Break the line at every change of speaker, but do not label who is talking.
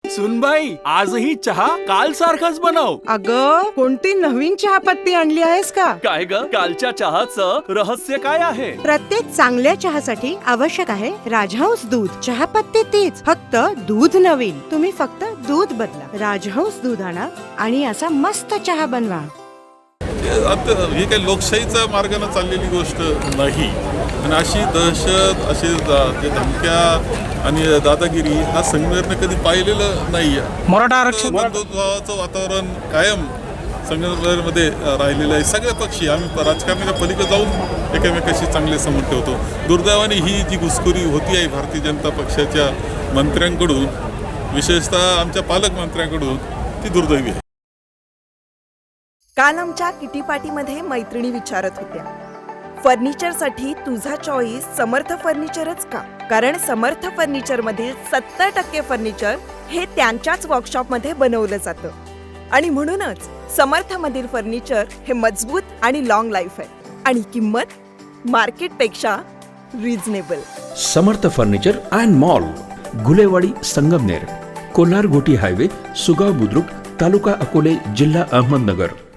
सुनबाई, आजही चहा काल सारखाच बनव.
अगं, कोणती नवीन चहापत्ती आणली आहेस का?
काय ग, कालच्या चहाचं रहस्य काय आहे?
प्रत्येक चांगल्या चहासाठी आवश्यक आहे राजहंस दूध. चहापत्ती तीच, फक्त दूध नवीन. तुम्ही फक्त दूध बदला. राजहंस दूध आणा आणि असा मस्त चहा बनवा.
आता ही काही लोकशाहीचा मार्गाने चाललेली गोष्ट नाही. आणि अशी दहशत, अशी जे धमक्या आणि दादागिरी हा संघटनेने कधी पाहिलेलं नाही आहे.
मराठा आरक्षण
बंधुत्वाचं वातावरण कायम संघटनेमध्ये राहिलेलं आहे. सगळे पक्षी आम्ही राजकारणाच्या पलीकडे जाऊन एकमेकाशी चांगले संबंध ठेवतो. दुर्दैवाने ही जी घुसखोरी होती आहे भारतीय जनता पक्षाच्या मंत्र्यांकडून, विशेषतः आमच्या पालकमंत्र्यांकडून, ती दुर्दैवी आहे.
काल आमच्या किटी पार्टीमध्ये मैत्रिणी विचारत होत्या, फर्निचरसाठी तुझा चॉईस समर्थ फर्निचरच का? कारण समर्थ फर्निचर मधील 70% फर्निचर हे त्यांच्याच वर्कशॉपमध्ये बनवलं जातं आणि म्हणूनच समर्थ मधील फर्निचर हे मजबूत आणि लॉंग लाईफ आहे आणि किंमत मार्केटपेक्षा reasonable.
Samarth furniture and mall, Gulewadi, Sangamner, Kolhar Ghoti highway, Sugaon Budruk, taluka Akole, जिल्हा अहमदनगर.